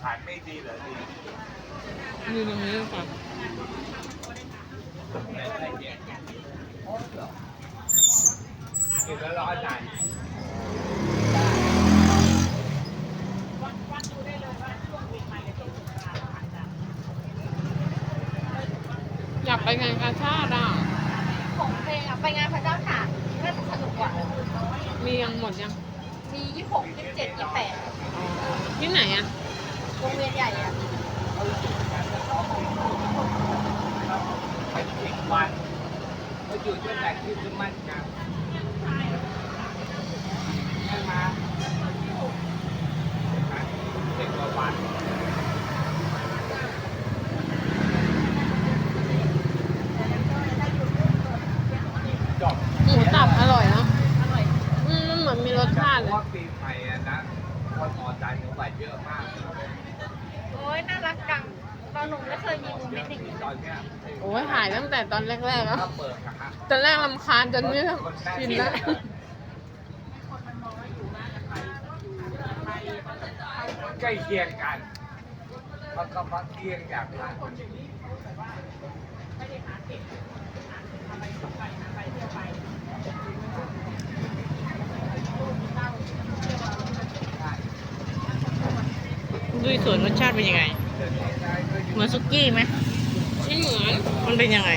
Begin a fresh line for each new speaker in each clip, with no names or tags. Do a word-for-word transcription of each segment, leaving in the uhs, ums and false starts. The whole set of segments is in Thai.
ขายไม่ดีเหรอดี
อยู่ตรงนี้ก่อน
กินแล้วร้อนใจ
อยากไปงานกาชาติอ่ะ
ของเพลงอะไปงานพระเจ้าตากน่าจะสนุกกว่า
มียังหมดยัง
มียี่สิบหก ยี่สิบเจ็ด ยี่สิบแปด
อ๋อที่ไหนอ่ะ
วงเวียนใหญ่อะ
ไปสิบวันเขาอยู่ตั้งแต่คริสต์มาสกันใช่ไหมสิบกว่าวันจบ
หมูสับอร่อยเนาะ
อร่อย
อืมมันเหมือนมีรสชาติ
เพ
เลย
ราะว่าปีใหม่อะนะคนออกใจหนูไปเยอะมาก
โอ้ยน่ารักจังตอนหนูไม่เคยมีโมเมนต์อย่างนี้
ตอนเนี้ย
โอ้ยถ่ายตั้งแต่ตอนแรกๆแล้ว
ถ้าเปิดนะฮะ
ตอนแรกรำคาญจนไม่แบบชินแล้ว
ใกล้เคียงกันมันก็พักเคียงอย่างนั้น
ดุยสวนรสชาติเป็นยังไง เหมือนซุกี้ไหมไม่เหมือน มันเป็นยังไง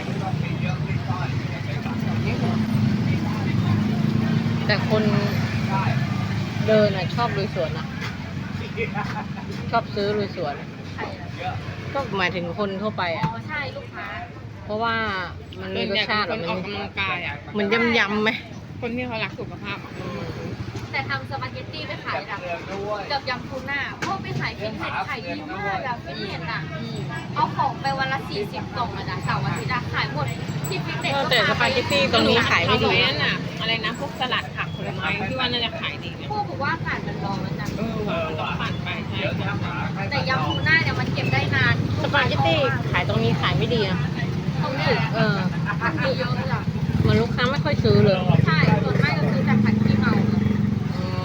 แต่คนเดินอ่ะชอบลุยสวนอ่ะ ชอบซื้อลุยสวน
ใช่อะ
ก็หมายถึงคนทั่วไป
อ๋
อ่ะ
อใช่ลูกค้า
เพราะว่ามันมีรสชาติ
คนออกกำลังกายอ่ะ
เหมือนยำยำๆไหม
คนที่เขารักสุขภาพอ่ะ
แต่ทำสปาเกตตี้ไม่ขายอะ
เรืองด้วย
กับยำทูน่าเพราะไปขายฟิตเนสขายดีมากอะฟิตเนสอะเอาของไปวันละสี่สิบกล่องอะนะเสาร์อาทิตย์อะขายหมดที่ฟิตเนส
เออ
ก็
แต่ส
พา
ปาเกตตี้ตรงนี้ขายไม่ดี
เอ
นะ
นั่นน่ะ อะไรนะ พวกสลัดผักผลไม้ที่ว่าน่าจะขายดีเนี่ย
ผู้บอกว่าผ่านมันรอมันจะ
เออว่ะมันต้องปั่นไปใช่
เดี๋ยวถ้าหมาให้
แต่ยำทูน่าเนี่ยมันเก็บได้นาน
สปาเกตตี้ขายตรงนี้ขายไม่ดีนะ
ตรงนี้
เออ
มันมีเยอะเลยอะ
เหมือนลูกค้าไม่ค่อยซื้อเลย
ใช่ส่วนมากจะซื้อแต่ผัดขี้เมา
อ๋อ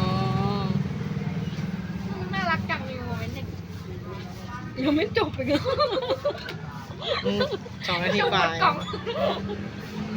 น่ารักจังมีโมเมนต์หนึ่ง
ยังไม่จบอีกเหรออืมสองนาทีกว่า
กล่อง